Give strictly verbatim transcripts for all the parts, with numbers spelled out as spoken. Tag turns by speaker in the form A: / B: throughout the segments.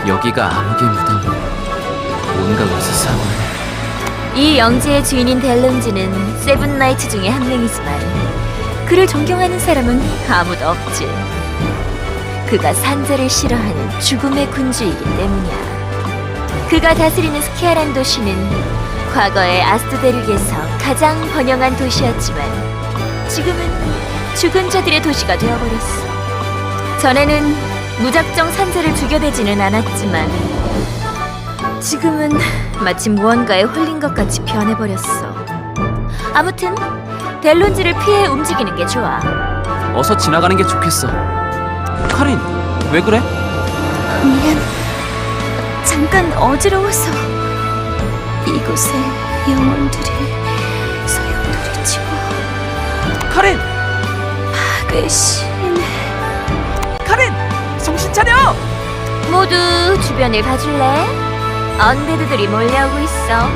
A: 여기가 암흑의 무덤. 뭔가 으스스하군.
B: 이 영지의 주인인 델론즈는 세븐나이츠 중에 한 명이지만 그를 존경하는 사람은 아무도 없지. 그가 산자를 싫어하는 죽음의 군주이기 때문이야. 그가 다스리는 스키아란 도시는 과거의 아스토데르게서 가장 번영한 도시였지만 지금은 죽은 자들의 도시가 되어버렸어. 전에는 무작정 산자를 죽여대지는 않았지만 지금은 마치 무언가에 홀린 것 같이 변해버렸어. 아무튼 델론즈를 피해 움직이는 게 좋아.
A: 어서 지나가는 게 좋겠어. 카린, 왜 그래?
B: 미안, 잠깐 어지러워서. 이곳에 영혼들이 소용돌이 치고
A: 카린!
B: 파괴 신.
A: 카린! 정신 차려!
B: 모두 주변을 봐줄래? 언데드들이 몰려오고 있어.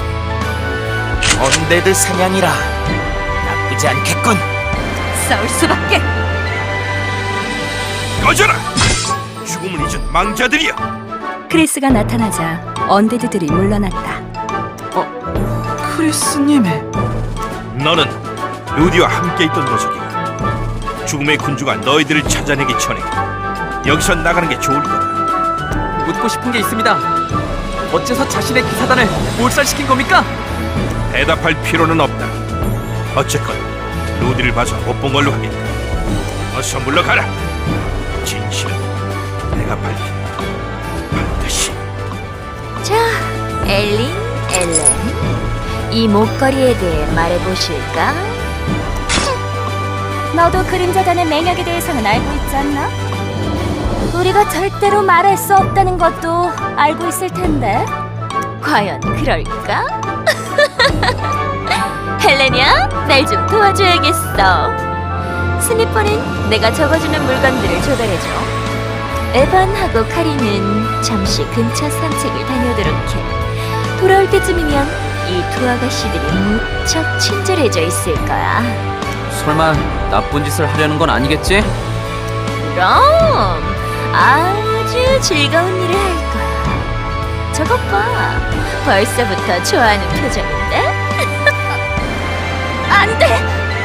C: 언데드 사냥이라 나쁘지 않겠군.
B: 싸울 수밖에.
D: 꺼져라! 죽음을 잊은 망자들이여!
E: 크리스가 나타나자 언데드들이 물러났다.
A: 크리스님.
D: 너는 루디와 함께 있던 녀석이야. 죽음의 군주가 너희들을 찾아내기 전에 여기서 나가는 게 좋을 거다.
A: 묻고 싶은 게 있습니다. 어째서 자신의 기사단을 몰살시킨 겁니까?
D: 대답할 필요는 없다. 어쨌건 루디를 봐서 못 본 걸로 하겠다. 어서 물러가라. 진실은 내가 밝힌다. 반드시.
B: 자, 엘린, 엘렌, 이 목걸이에 대해 말해보실까? 너도 그림자단의 맹약에 대해서는 알고 있지 않나? 우리가 절대로 말할 수 없다는 것도 알고 있을 텐데 과연 그럴까? 헬렌이야, 날 좀 도와줘야겠어. 스니퍼는 내가 적어주는 물건들을 조달해줘. 에반하고 카리는 잠시 근처 산책을 다녀오도록 해. 돌아올 때쯤이면 이 두 아가씨들이 무척 친절해져 있을 거야.
A: 설마 나쁜 짓을 하려는 건 아니겠지?
B: 그럼 아주 즐거운 일을 할 거야. 저것 봐, 벌써부터 좋아하는 표정인데? 안 돼!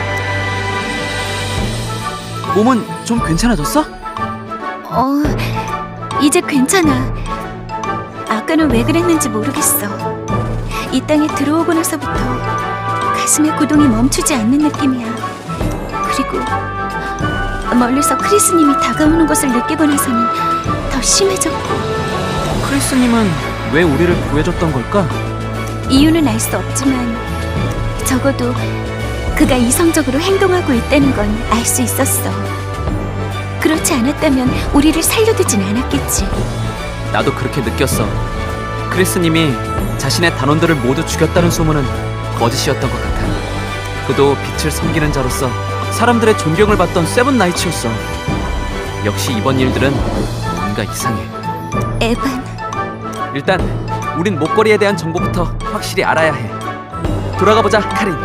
A: 몸은 좀 괜찮아졌어?
E: 어, 이제 괜찮아. 아까는 왜 그랬는지 모르겠어. 이 땅에 들어오고 나서부터 가슴의 고동이 멈추지 않는 느낌이야. 그리고 멀리서 크리스님이 다가오는 것을 느끼고 나서는 더 심해졌고.
A: 크리스님은 왜 우리를 구해줬던 걸까?
E: 이유는 알 수 없지만 적어도 그가 이성적으로 행동하고 있다는 건 알 수 있었어. 그렇지 않았다면 우리를 살려두진 않았겠지.
A: 나도 그렇게 느꼈어. 크리스님이 자신의 단원들을 모두 죽였다는 소문은 거짓이었던 것 같아. 그도 빛을 섬기는 자로서 사람들의 존경을 받던 세븐나이츠였어. 역시 이번 일들은 뭔가 이상해.
E: 에반,
A: 일단 우린 목걸이에 대한 정보부터 확실히 알아야 해. 돌아가 보자, 카린.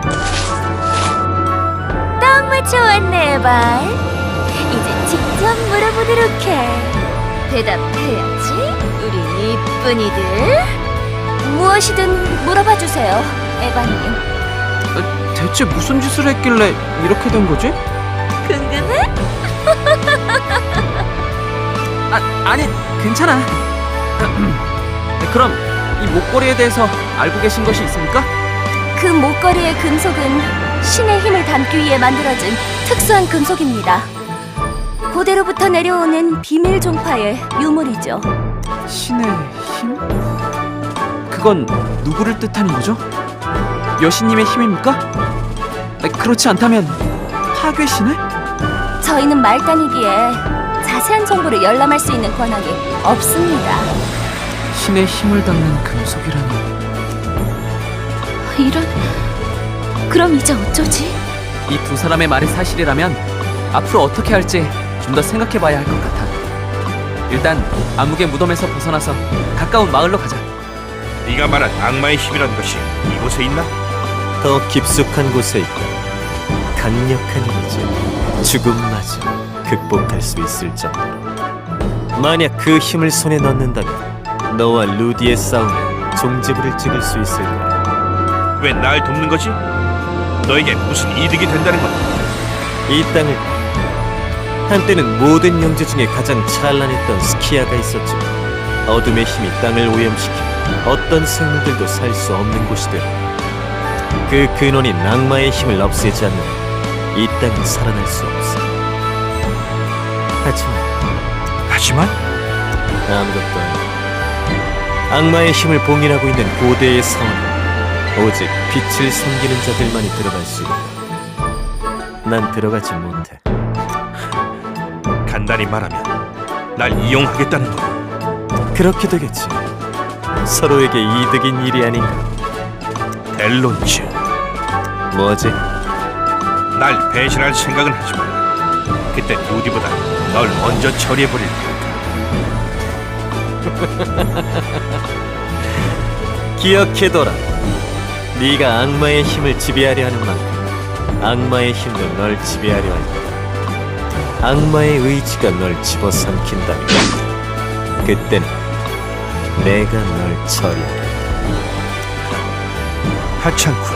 B: 딱 맞춰왔네, 에반. 이제 직접 물어보도록 해. 대답해야지, 우리 이쁜이들. 무엇이든 물어봐 주세요, 에반님.
A: 어, 대체 무슨 짓을 했길래 이렇게 된 거지?
B: 궁금해?
A: 아, 아니, 괜찮아. 그럼 이 목걸이에 대해서 알고 계신 것이 있습니까?
B: 그 목걸이의 금속은 신의 힘을 담기 위해 만들어진 특수한 금속입니다. 고대로부터 내려오는 비밀 종파의 유물이죠.
A: 신의 힘? 그건 누구를 뜻하는 거죠? 여신님의 힘입니까? 아, 그렇지 않다면 파괴신을?
B: 저희는 말단이기에 자세한 정보를 열람할 수 있는 권한이 없습니다.
A: 신의 힘을 담는 금속이라니.
E: 이런... 그럼 이제 어쩌지?
A: 이 두 사람의 말이 사실이라면 앞으로 어떻게 할지 좀 더 생각해봐야 할 것 같아. 일단 암흑의 무덤에서 벗어나서 가까운 마을로 가자.
D: 네가 말한 악마의 힘이란 것이 이곳에 있나?
C: 더 깊숙한 곳에 있다. 강력한 이미지, 죽음마저 극복할 수 있을 정도로. 만약 그 힘을 손에 넣는다면 너와 루디의 싸움에 종지부를 찍을 수 있을 거야.
D: 왜 날 돕는 거지? 너에게 무슨 이득이 된다는 거야?
C: 이 땅을 한때는 모든 영재 중에 가장 찬란했던 스키아가 있었지만 어둠의 힘이 땅을 오염시켜 어떤 생물들도 살 수 없는 곳이 되어 그 근원인 악마의 힘을 없애지 않는 이 땅은 살아날 수 없어. 하지만
D: 하지만
C: 아무것도 아니야. 악마의 힘을 봉인하고 있는 고대의 사원은 오직 빛을 섬기는 자들만이 들어갈 수 있다. 난 들어가지 못해.
D: 간단히 말하면 날 이용하겠다는 거야.
C: 그렇게 되겠지. 서로에게 이득인 일이 아닌가.
D: 델론즈,
C: 뭐지?
D: 날 배신할 생각은 하지만 그때 루디보다 널 먼저 처리해버릴 테니까.
C: 기억해둬라. 네가 악마의 힘을 지배하려 하는 만큼 악마의 힘도 널 지배하려 할 거야. 악마의 의지가 널 집어삼킨다면 그때는 내가 널 처리하리.
D: 하찮군.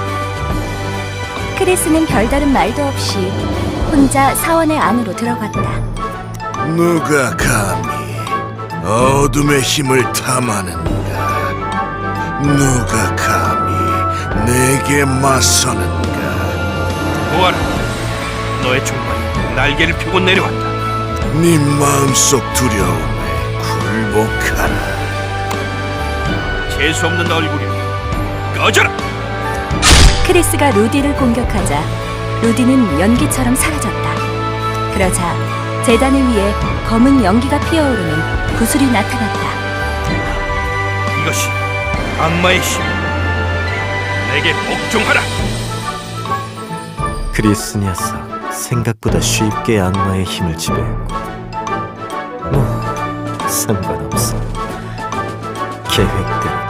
B: 크리스는 별다른 말도 없이 혼자 사원의 안으로 들어갔다.
F: 누가 감히 어둠의 힘을 탐하는가? 누가 감히 내게 맞서는가?
D: 보아라, 너의 총알이 날개를 펴고 내려왔다.
F: 네 마음속 두려움에 굴복하라.
D: 재수 없는 얼굴이 꺼져라.
B: 크리스가 루디를 공격하자 루디는 연기처럼 사라졌다. 그러자 재단을 위해 검은 연기가 피어오르는 구슬이 나타났다.
D: 이것이 악마의 힘. 내게 복종하라.
C: 크리스 녀석 생각보다 쉽게 악마의 힘을 지배했고 뭐 상관없어. 계획대로